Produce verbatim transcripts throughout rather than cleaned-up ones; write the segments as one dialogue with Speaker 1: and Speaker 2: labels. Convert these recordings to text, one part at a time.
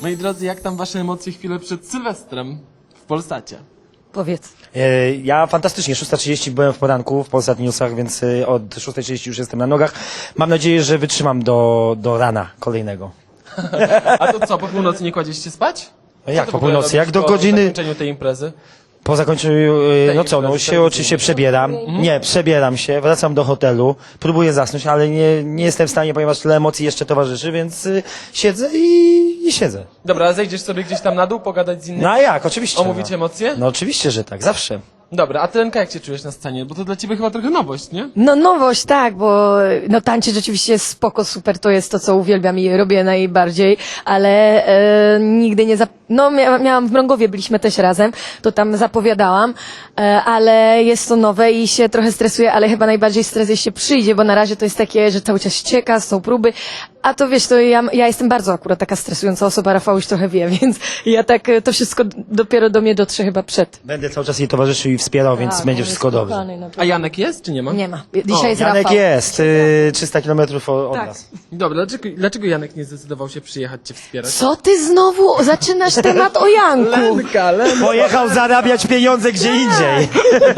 Speaker 1: Moi drodzy, jak tam wasze emocje chwilę przed Sylwestrem w Polsacie?
Speaker 2: Powiedz.
Speaker 3: E, Ja fantastycznie, szósta trzydzieści byłem w poranku w Polsat Newsach, więc e, od szóstej trzydzieści już jestem na nogach. Mam nadzieję, że wytrzymam do, do rana kolejnego.
Speaker 1: A to co, po północy nie kładziecie spać?
Speaker 3: No jak
Speaker 1: Co ty
Speaker 3: po
Speaker 1: w ogóle
Speaker 3: północy? Jak
Speaker 1: robisz
Speaker 3: do
Speaker 1: po
Speaker 3: godziny...
Speaker 1: zakończeniu tej imprezy?
Speaker 3: Po zakończeniu, e, no co, no
Speaker 1: imprezy,
Speaker 3: się
Speaker 1: tej
Speaker 3: oczywiście
Speaker 1: imprezy.
Speaker 3: przebieram. Nie, przebieram się, wracam do hotelu, próbuję zasnąć, ale nie, nie jestem w stanie, ponieważ tyle emocji jeszcze towarzyszy, więc e, siedzę i, i siedzę.
Speaker 1: Dobra, zejdziesz sobie gdzieś tam na dół, pogadać z innymi?
Speaker 3: No a jak, oczywiście.
Speaker 1: Omówicie
Speaker 3: no.
Speaker 1: emocje?
Speaker 3: No oczywiście, że tak, zawsze.
Speaker 1: Dobra, a ty, Lenka, jak się czujesz na scenie? Bo to dla ciebie chyba trochę nowość, nie?
Speaker 2: No nowość, tak, bo no tańczyć rzeczywiście jest spoko, super, to jest to, co uwielbiam i robię najbardziej, ale e, nigdy nie zap... No mia miałam w Mrągowie, byliśmy też razem, to tam zapowiadałam, e, ale jest to nowe i się trochę stresuję, ale chyba najbardziej stres jeśli się przyjdzie, bo na razie to jest takie, że cały czas ścieka, są próby, a to wiesz, to ja, ja jestem bardzo akurat taka stresująca osoba, Rafał już trochę wie, więc ja tak, e, to wszystko dopiero do mnie dotrze chyba przed.
Speaker 3: Będę cały czas jej towarzyszył i wspierał, więc
Speaker 2: Tak,
Speaker 3: będzie
Speaker 2: on
Speaker 3: wszystko
Speaker 2: jest
Speaker 3: dobrze.
Speaker 2: kochany, naprawdę.
Speaker 1: A Janek jest, czy nie ma?
Speaker 2: Nie ma. Dzisiaj jest
Speaker 3: Janek
Speaker 2: Rafał.
Speaker 3: jest, y, trzysta kilometrów od
Speaker 2: Tak.
Speaker 3: nas.
Speaker 1: Dobra, dlaczego, dlaczego Janek nie zdecydował się przyjechać cię wspierać?
Speaker 2: Co ty znowu zaczynasz temat o Janku?
Speaker 1: Lenka, Lenka!
Speaker 3: Pojechał zarabiać pieniądze gdzie indziej.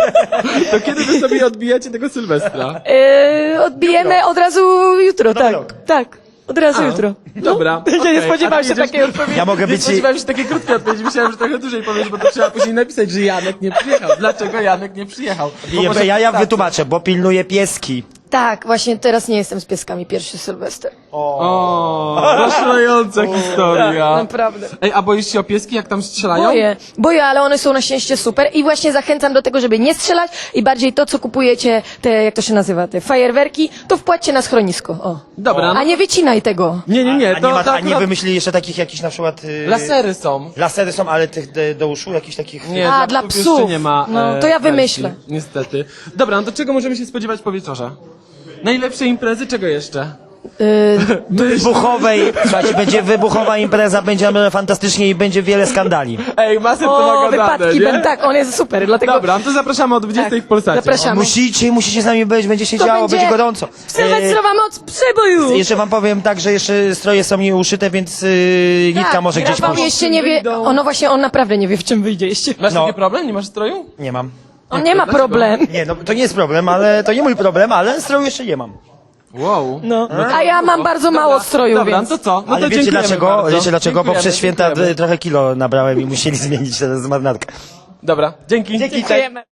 Speaker 1: To kiedy wy sobie odbijacie tego Sylwestra?
Speaker 2: Yy, odbijemy od razu jutro, tak.
Speaker 3: rok.
Speaker 2: Tak, od razu jutro.
Speaker 1: Dobra.
Speaker 2: Nie, nie
Speaker 1: okej.
Speaker 2: spodziewałem
Speaker 1: A
Speaker 2: się
Speaker 1: ty
Speaker 2: takiej odpowiedzi.
Speaker 3: Ja mogę
Speaker 1: Nie
Speaker 3: być...
Speaker 1: spodziewałem się takiej krótkiej odpowiedzi, myślałem, że trochę dłużej powiesz, bo to trzeba później napisać, że Janek nie przyjechał. Dlaczego Janek nie przyjechał? Bo może
Speaker 3: Ja, ja
Speaker 1: wystarczy.
Speaker 3: wytłumaczę, bo pilnuję pieski.
Speaker 2: Tak, właśnie teraz nie jestem z pieskami, pierwszy Sylwester.
Speaker 1: O, zaszlająca historia.
Speaker 2: Naprawdę.
Speaker 1: Ej, a boisz się o pieski, jak tam strzelają?
Speaker 2: Boję, boję, ale one są na szczęście super i właśnie zachęcam do tego, żeby nie strzelać i bardziej to, co kupujecie, te, jak to się nazywa, te fajerwerki, to wpłaćcie na schronisko, o.
Speaker 1: Dobra, no.
Speaker 2: A nie wycinaj tego.
Speaker 1: Nie, nie, nie,
Speaker 3: A
Speaker 1: to,
Speaker 3: nie, ma,
Speaker 1: to
Speaker 3: a nie
Speaker 1: akurat
Speaker 3: wymyślili jeszcze takich jakichś na przykład... y,
Speaker 1: lasery są.
Speaker 3: Lasery są, ale tych do, do uszu, jakichś takich...
Speaker 1: Nie,
Speaker 2: A,
Speaker 1: dla
Speaker 2: dla
Speaker 1: psów
Speaker 2: psów.
Speaker 1: jeszcze nie ma.
Speaker 2: No,
Speaker 1: e,
Speaker 2: to ja
Speaker 1: wersji,
Speaker 2: wymyślę.
Speaker 1: Niestety. Dobra, no to czego możemy się spodziewać po wieczorze? Najlepszej imprezy, czego jeszcze?
Speaker 2: Yy,
Speaker 3: Wybuchowej, słuchajcie, będzie wybuchowa impreza, będzie fantastycznie i będzie wiele skandali.
Speaker 1: Ej, masę to
Speaker 2: o,
Speaker 1: nagadane,
Speaker 2: wypadki,
Speaker 1: nie?
Speaker 2: ben, tak, on jest super, dlatego...
Speaker 1: Dobra, no to zapraszamy o dwudziestej
Speaker 2: Tak,
Speaker 1: w Polsacie.
Speaker 2: zapraszamy.
Speaker 3: Musicie, musicie z nami być, będzie się
Speaker 2: To
Speaker 3: działo,
Speaker 2: będzie
Speaker 3: będzie gorąco.
Speaker 2: Sylwestrowa moc przeboju!
Speaker 3: E, jeszcze wam powiem tak, że jeszcze stroje są nieuszyte, więc y, nitka może gdzieś
Speaker 2: Rafał
Speaker 3: pójść.
Speaker 2: jeszcze nie wie, o, no właśnie, on naprawdę nie wie, w czym wyjdzie jeszcze.
Speaker 1: Masz
Speaker 3: No.
Speaker 1: taki problem? Nie masz stroju?
Speaker 3: Nie mam.
Speaker 2: On nie ma
Speaker 1: Dlaczego?
Speaker 2: problem.
Speaker 3: Nie, no to nie jest problem, ale to nie mój problem, ale stroju jeszcze nie mam.
Speaker 1: Wow.
Speaker 2: No. A ja mam bardzo
Speaker 1: Dobra,
Speaker 2: mało stroju,
Speaker 1: Dobra,
Speaker 2: więc...
Speaker 1: no to co? No
Speaker 3: Ale
Speaker 1: to
Speaker 3: wiecie
Speaker 1: dziękujemy
Speaker 3: dlaczego?
Speaker 1: bardzo.
Speaker 3: Wiecie dlaczego? Bo
Speaker 1: Dziękujemy,
Speaker 3: przez święta
Speaker 1: dziękujemy.
Speaker 3: y, trochę kilo nabrałem i musieli zmienić teraz marnatkę.
Speaker 1: Dobra, dzięki.
Speaker 3: Dzięki.
Speaker 2: Dziękujemy.